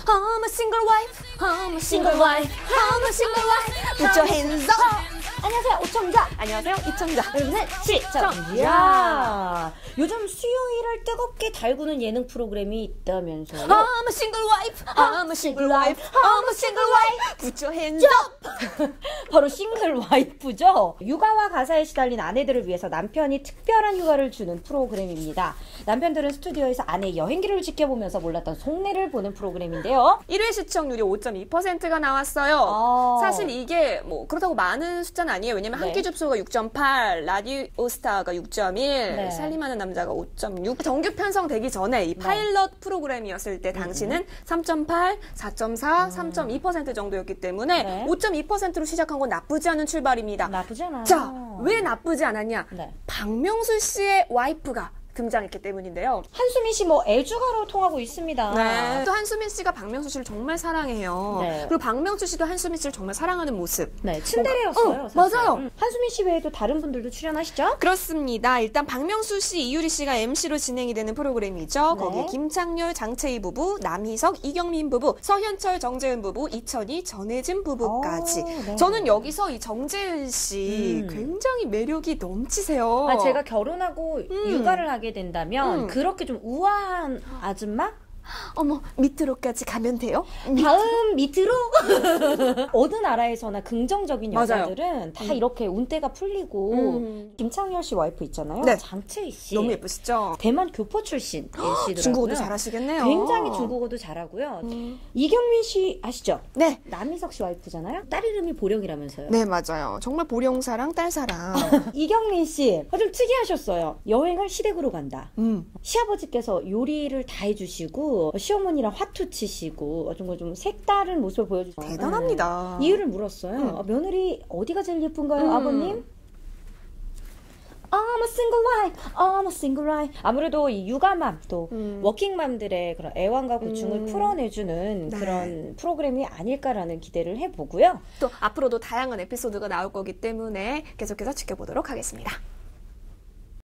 I'm a single wife. I'm a single wife. I'm a single wife. Put your hands up. 안녕하세요, 오청자. 안녕하세요, 이청자. 여러분은 시청자. 요즘 수요일을 뜨겁게 달구는 예능 프로그램이 있다면서요? I'm a single wife. I'm a single wife. I'm a single wife. Put your hands up. 바로 싱글 와이프죠. 육아와 가사에 시달린 아내들을 위해서 남편이 특별한 휴가를 주는 프로그램입니다. 남편들은 스튜디오에서 아내의 여행기를 지켜보면서 몰랐던 속내를 보는 프로그램인데요. 1회 시청률이 5.2%가 나왔어요. 사실 이게 뭐 그렇다고 많은 숫자는 아니에요. 왜냐면 한 끼 줍소가 6.8, 라디오스타가 6.1, 살림하는 남자가 5.6. 정규 편성되기 전에 이 파일럿 프로그램이었을 때 당시는 3.8, 4.4, 3.2% 정도였기 때문에 5.2%로 시작한 건 나쁘지 않은 출발입니다. 나쁘지 않아요. 자, 왜 나쁘지 않았냐? 네. 박명수 씨의 와이프가 등장했기 때문인데요. 한수미 씨 뭐 애주가로 통하고 있습니다. 네. 또 한수미 씨가 박명수 씨를 정말 사랑해요. 네. 그리고 박명수 씨도 한수미 씨를 정말 사랑하는 모습. 네, 츤데레였어요. 사실. 맞아요. 한수미 씨 외에도 다른 분들도 출연하시죠? 그렇습니다. 일단 박명수 씨, 이유리 씨가 MC로 진행이 되는 프로그램이죠. 네. 거기에 김창렬, 장채희 부부, 남희석, 이경민 부부, 서현철, 정재은 부부, 이천희, 전혜진 부부까지. 네. 저는 여기서 이 정재은 씨 굉장히 매력이 넘치세요. 아, 제가 결혼하고 육아를 하게 된다면 그렇게 좀 우아한 아줌마? 어머, 밑으로까지 가면 돼요? 다음 밑으로? 어느 나라에서나 긍정적인 맞아요. 여자들은 다 이렇게 운때가 풀리고 김창렬 씨 와이프 있잖아요. 네. 장채희 씨. 너무 예쁘시죠? 대만 교포 출신이시더라고요. 중국어도 잘하시겠네요. 굉장히 중국어도 잘하고요. 이경민 씨 아시죠? 네. 남희석 씨 와이프잖아요. 딸 이름이 보령이라면서요. 네, 맞아요. 정말 보령사랑, 딸사랑. 이경민 씨, 좀 특이하셨어요. 여행을 시댁으로 간다. 시아버지께서 요리를 다 해주시고 시어머니랑 화투 치시고 좀 색다른 모습을 보여주셨어요. 대단합니다. 이유를 물었어요. 며느리 어디가 제일 예쁜가요, 아버님? I'm a single wife, I'm a single wife. 아무래도 이 육아맘 또 워킹맘들의 그런 애환과 고충을 풀어내주는 그런 프로그램이 아닐까라는 기대를 해보고요. 또 앞으로도 다양한 에피소드가 나올 거기 때문에 계속해서 지켜보도록 하겠습니다.